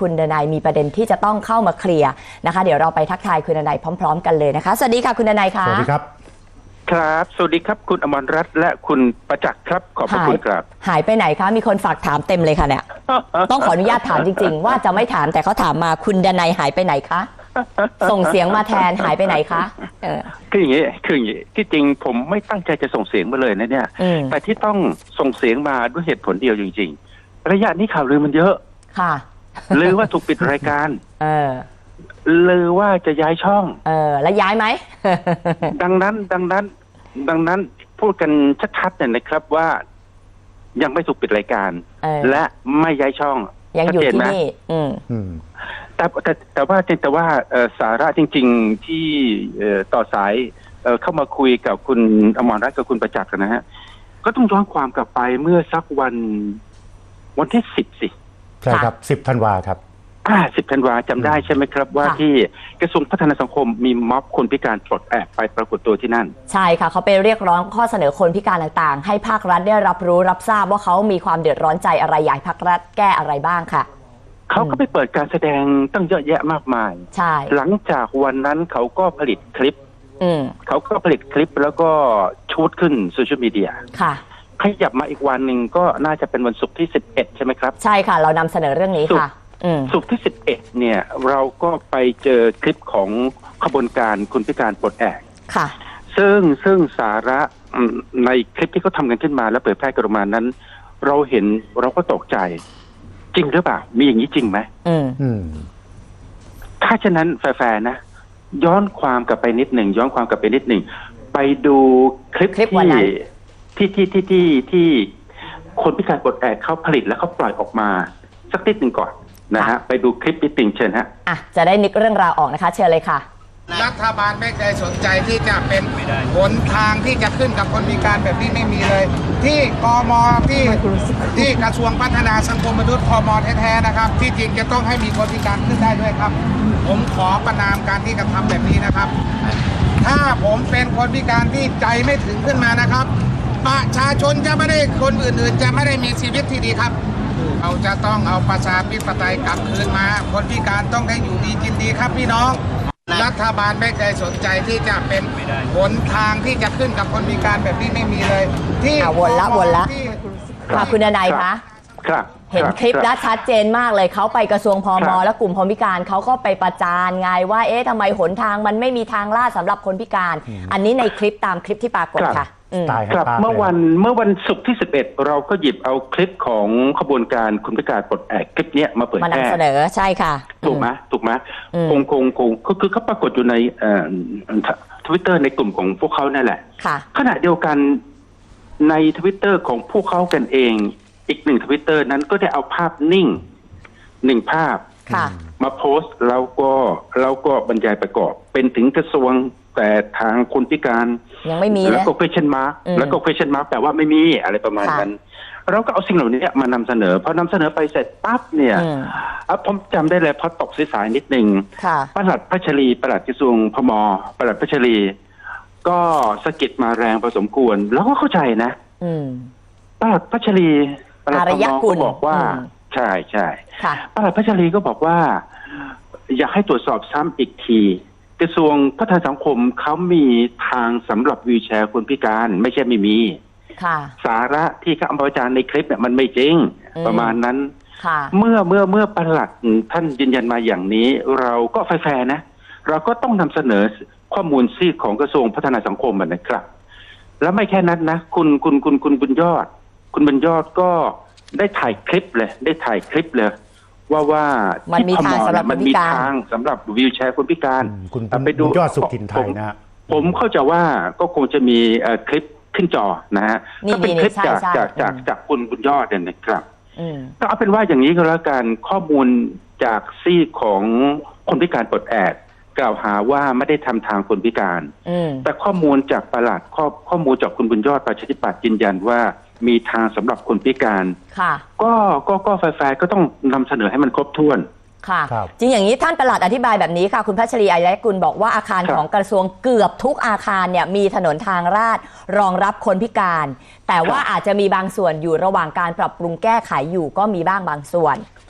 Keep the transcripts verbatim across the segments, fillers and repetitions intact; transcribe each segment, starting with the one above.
คุณดนัยมีประเด็นที่จะต้องเข้ามาเคลียร์นะคะเดี๋ยวเราไปทักทายคุณดนัยพร้อมๆกันเลยนะคะสวัสดีค่ะคุณดนัยค่ะสวัสดีครับครับสวัสดีครับคุณอมรรัตน์และคุณประจักษ์ครับขอบพระคุณครับหายไปไหนคะมีคนฝากถามเต็มเลยค่ะเนี่ย ต้องขออนุญาตถามจริงๆว่าจะไม่ถามแต่เขาถามมาคุณดนัยหายไปไหนคะส่งเสียงมาแทนหายไปไหนคะเออคืออย่างนี้คืออย่างนี้ที่จริงผมไม่ตั้งใจจะส่งเสียงมาเลยนะเนี่ยแต่ที่ต้องส่งเสียงมาด้วยเหตุผลเดียวจริงๆระยะนี้ข่าวลือมันเยอะค่ะลือว่าถูกปิดรายการเออลือว่าจะย้ายช่องเออแล้วย้ายไหมดังนั้นดังนั้นดังนั้นพูดกันชัดๆเนี่ยนะครับว่ายังไม่ถูกปิดรายการและไม่ย้ายช่องยังอยู่ที่นี่อืมแต่แต่แต่ว่าแต่ว่าสาระจริงๆที่ต่อสายเข้ามาคุยกับคุณอมรรัตน์กับคุณประจักษ์นะฮะก็ต้องย้อนความกลับไปเมื่อสักวันวันที่สิบสิใช่ครับสิบธันวาครับอ่าสิบธันวาจำได้ใช่ไหมครับว่าที่กระทรวงพัฒนาสังคมมีม็อบคนพิการปลดแอกไปปรากฏตัวที่นั่นใช่ค่ะเขาไปเรียกร้องข้อเสนอคนพิการต่างๆให้ภาครัฐได้รับรู้รับทราบว่าเขามีความเดือดร้อนใจอะไรอยากภาครัฐแก้อะไรบ้างค่ะเขาก็ไปเปิดการแสดงตั้งเยอะแยะมากมายใช่หลังจากวันนั้นเขาก็ผลิตคลิปอืมเขาก็ผลิตคลิปแล้วก็ชูดขึ้นโซเชียลมีเดียค่ะขยับมาอีกวันหนึ่งก็น่าจะเป็นวันศุกร์ที่สิบเอ็ดใช่ไหมครับใช่ค่ะเรานำเสนอเรื่องนี้ค่ะศุกร์ที่สิบเอ็ดเนี่ยเราก็ไปเจอคลิปของขบวนการคนพิการปลดแอกค่ะซึ่งซึ่งสาระในคลิปที่เขาทำกันขึ้นมาแล้วเผยแพร่กันออกมานั้นเราเห็นเราก็ตกใจจริงหรือเปล่ามีอย่างนี้จริงไหมอืมอืมถ้าฉะนั้นแฟร์ๆนะย้อนความกลับไปนิดหนึ่งย้อนความกลับไปนิดหนึ่งไปดูคลิปที่ที่ที่ที่ที่คนพิการปลดแอกเขาผลิตแล้วเขาปล่อยออกมาสักนิดหนึ่งก่อนนะฮะไปดูคลิปนิดหนึ่งเชิญฮะอ่ะจะได้นึกเรื่องราวออกนะคะเชิญเลยค่ะรัฐบาลไม่เคยสนใจที่จะเป็นหนทางที่จะขึ้นกับคนพิการแบบนี้ไม่มีเลยที่กมที่ที่กระทรวงพัฒนาสังคมมนุษย์พมแท้ๆนะครับที่จริงจะต้องให้มีคนพิการขึ้นได้ด้วยครับผมขอประณามการที่กระทำแบบนี้นะครับถ้าผมเป็นคนพิการที่ใจไม่ถึงขึ้นมานะครับประชาชนจะไม่ได้คนอื่นๆจะไม่ได้มีชีวิตที่ดีครับเราจะต้องเอาประชาธิปไตยกลับคืนมาคนพิการต้องได้อยู่ดีกินดีครับพี่น้องรัฐบาลไม่เคยสนใจที่จะเป็นหนทางที่จะขึ้นกับคนพิการแบบนี้ไม่มีเลยที่วนละวนละค่ะคุณดนัยคะครับเห็นคลิปแล้วชัดเจนมากเลยเขาไปกระทรวงพมและกลุ่มคนพิการเขาก็ไปประจานไงว่าเอ๊ะทำไมหนทางมันไม่มีทางลาดสำหรับคนพิการอันนี้ในคลิปตามคลิปที่ปรากฏค่ะครับเมื่อวันเมื่อวันศุกร์ที่สิบเอ็ดเราก็หยิบเอาคลิปของขบวนการคนพิการปลดแอกคลิปนี้มาเปิดแพร่มานำเสนอใช่ค่ะถูกไหมถูกไหมคงคงคงก็คือเขาปรากฏอยู่ในทวิตเตอร์ในกลุ่มของพวกเขานั่นแหละขณะเดียวกันในทวิตเตอร์ของพวกเขากันเองอีกหนึ่งทวิตเตอร์นั้นก็ได้เอาภาพนิ่งหนึ่งภาพมาโพสต์แล้วก็แล้วก็บรรยายประกอบเป็นถึงกระทรวงแต่ทางคนพิการยังไม่มีแล้วก็ question mark แล้วก็ question mark แปลว่าไม่มีอะไรประมาณนั้นเราก็เอาสิ่งเหล่านี้มานำเสนอพอนำเสนอไปเสร็จปั๊บเนี่ยผมจำได้เลยพอตกสายนิดหนึ่งปลัดพัชรีปลัดกระทรวงพมปลัดพัชรีก็สะกิดมาแรงพอสมควรแล้วก็เข้าใจนะปลัดพัชรีปลัดพมก็บอกว่าใช่ใช่ปลัดพัชรีก็บอกว่าอยากให้ตรวจสอบซ้ำอีกทีกระทรวงพัฒนาสังคมเขามีทางสำหรับวีลแชร์คนพิการไม่ใช่ไม่มีสาระที่เขาเอามาประจานในคลิปเนี่ยมันไม่จริงประมาณนั้นเมื่อเมื่อเมื่อปลัดท่านยืนยันมาอย่างนี้เราก็แฟร์ๆนะเราก็ต้องนำเสนอข้อมูลซีกของกระทรวงพัฒนาสังคมนะครับแล้วไม่แค่นั้นนะคุณคุณคุณคุณบุญยอดคุณบุญยอดก็ได้ถ่ายคลิปเลยได้ถ่ายคลิปเลยว่าว่ามันมีทางสำหรับคนพิการมันมีทางสำหรับวีลแชร์คนพิการคุณไปดูยอดสุขินไทยนะผมเข้าใจว่าก็คงจะมีคลิปขึ้นจอนะฮะก็เป็นคลิปจากจากจากจากคุณบุญยอดเนี่ยนะครับก็เอาเป็นว่าอย่างนี้ก็แล้วกันข้อมูลจากซีกของคนพิการปลดแอกกล่าวหาว่าไม่ได้ทำทางคนพิการแต่ข้อมูลจากปลัดข้อข้อมูลจากคุณบุญยอดประชาธิปัตย์ยืนยันว่ามีทางสำหรับคนพิการก็ก็ก็แฟร์ๆก็ต้องนำเสนอให้มันครบถ้วนค่ะจริงอย่างนี้ท่านปลัดอธิบายแบบนี้ค่ะคุณพัชรีอายะกุลบอกว่าอาคารของกระทรวงเกือบทุกอาคารเนี่ยมีถนนทางลาดรองรับคนพิการแต่ว่าอาจจะมีบางส่วนอยู่ระหว่างการปรับปรุงแก้ไขอยู่ก็มีบ้างบางส่วน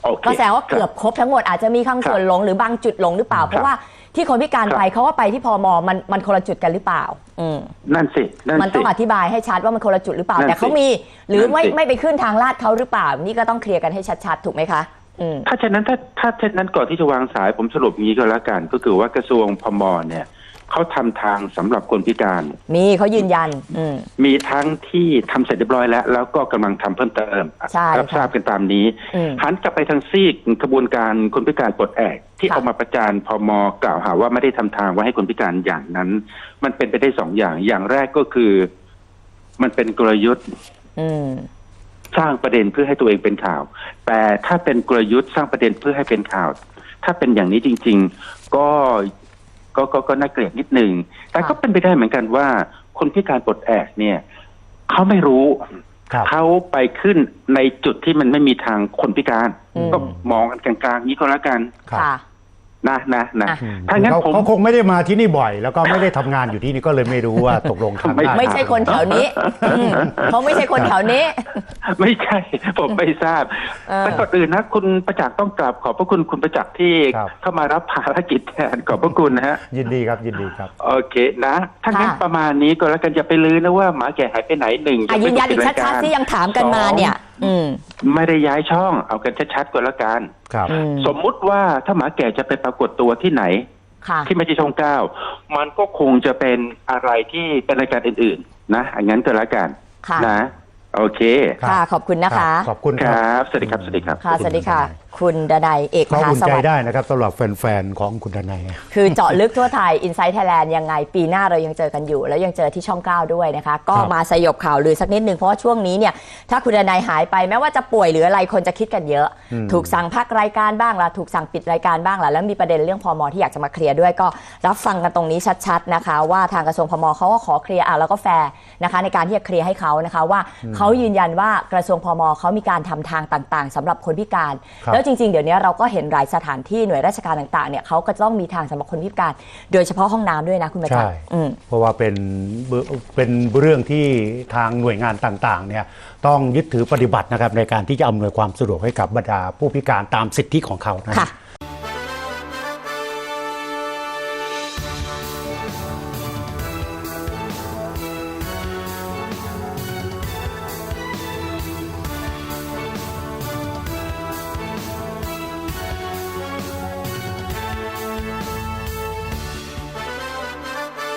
โอเคก็แสดงว่าเกือบครบทั้งหมดอาจจะมีข้างส่วนหลงหรือบางจุดหลงหรือเปล่า เพราะว่าที่คนพิการไปเขาก็ไปที่พมมันมันคนละจุดกันหรือเปล่าอืมนั่นสินั่นสิมันต้องอธิบายให้ชัดว่ามันคนละจุดหรือเปล่าแต่เขามีหรือไม่ไม่ไปขึ้นทางลาดเขาหรือเปล่านี่ก็ต้องเคลียร์กันให้ชัดๆถูกไหมคะถ้าเช่นนั้นถ้าถ้าเช่นนั้นก่อนที่จะวางสายผมสรุปงี้ก็แล้วกันก็คือว่ากระทรวงพมเนี่ยเขาทำทางสำหรับคนพิการมีเขายืนยันมีทั้งที่ทำเสร็จเรียบร้อยแล้วแล้วก็กำลังทำเพิ่มเติมรับทราบกันตามนี้หันกลับไปทางซีกกระบวนการคนพิการปลดแอกที่เอามาประจานพมกล่าวหาว่าไม่ได้ทำทางไว้ให้คนพิการอย่างนั้นมันเป็นไปได้สองอย่างอย่างแรกก็คือมันเป็นกลยุทธ์สร้างประเด็นเพื่อให้ตัวเองเป็นข่าวแต่ถ้าเป็นกลยุทธ์สร้างประเด็นเพื่อให้เป็นข่าวถ้าเป็นอย่างนี้จริงๆก็ก็ก็ก็น่าเกลียดนิดนึงแต่ก็เป็นไปได้เหมือนกันว่าคนพิการปลดแอกเนี่ยเขาไม่รู้เขาไปขึ้นในจุดที่มันไม่มีทางคนพิการก็มองกันกลางๆนี้ก็แล้วกันนะนะนะถ้างั้นผมเขาคงไม่ได้มาที่นี่บ่อยแล้วก็ไม่ได้ทำงานอยู่ที่นี่ก็เลยไม่รู้ว่าตกลงทำได้ไม่ใช่คนแถวนี้เขาไม่ใช่คนแถวนี้ไม่ใช่ผมไม่ทราบแต่ก่อนอื่นนะคุณประจักษ์ต้องกราบขอบพระคุณคุณประจักษ์ที่เข้ามารับภารกิจแทนขอบพระคุณนะฮะยินดีครับยินดีครับโอเคนะถ้างั้นประมาณนี้ก็แล้วกันอย่าไปลือนะว่าหมาแก่หายไปไหนหนึ่งยืนยันอีกชัดๆที่ยังถามกันมาเนี่ยไม่ได้ย้ายช่องเอากันชัดๆก็แล้วกันสมมุติว่าถ้าหมาแก่จะไปปรากฏตัวที่ไหนที่ไม่ใช่ช่องเก้ามันก็คงจะเป็นอะไรที่เป็นรายการอื่นๆนะอย่างนั้นก็แล้วกันนะโอเคค่ะขอบคุณนะคะขอบคุณครับสวัสดีครับสวัสดีครับค่ะสวัสดีค่ะคุณดนัยเอกมหาสวัสดิ์ได้นะครับสำหรับแฟนๆของคุณดนัยคือเจาะลึกทั่วไทย Inside Thailand ยังไงปีหน้าเรายังเจอกันอยู่แล้วยังเจอที่ช่องเก้าด้วยนะคะก็มาสยบข่าวลือสักนิดนึงเพราะว่าช่วงนี้เนี่ยถ้าคุณดนัยหายไปแม้ว่าจะป่วยหรืออะไรคนจะคิดกันเยอะถูกสั่งพักรายการบ้างล่ะถูกสั่งปิดรายการบ้างล่ะแล้วมีประเด็นเรื่องพมที่อยากจะมาเคลียร์ด้วยก็รับฟังกันตรงนี้ชัดๆนะคะว่าทางกระทรวงพมเขาก็ขอเคลียร์อ่ะแล้วก็แฟร์นะคะในการที่จะเคลียร์ให้เขานะคะว่าเขายืนยันว่ากระทรวงพมเขามีการทำทางต่างๆสำหรับคนพิการแล้วจริงๆเดี๋ยวนี้เราก็เห็นหลายสถานที่หน่วยราชการต่างๆเนี่ยเขาก็ต้องมีทางสำหรับคนพิการโดยเฉพาะห้องน้ำด้วยนะคุณประจักษ์เพราะว่าเป็นเป็นเรื่องที่ทางหน่วยงานต่างๆเนี่ยต้องยึดถือปฏิบัตินะครับในการที่จะอำนวยความสะดวกให้กับบรรดาผู้พิการตามสิทธิของเขานะ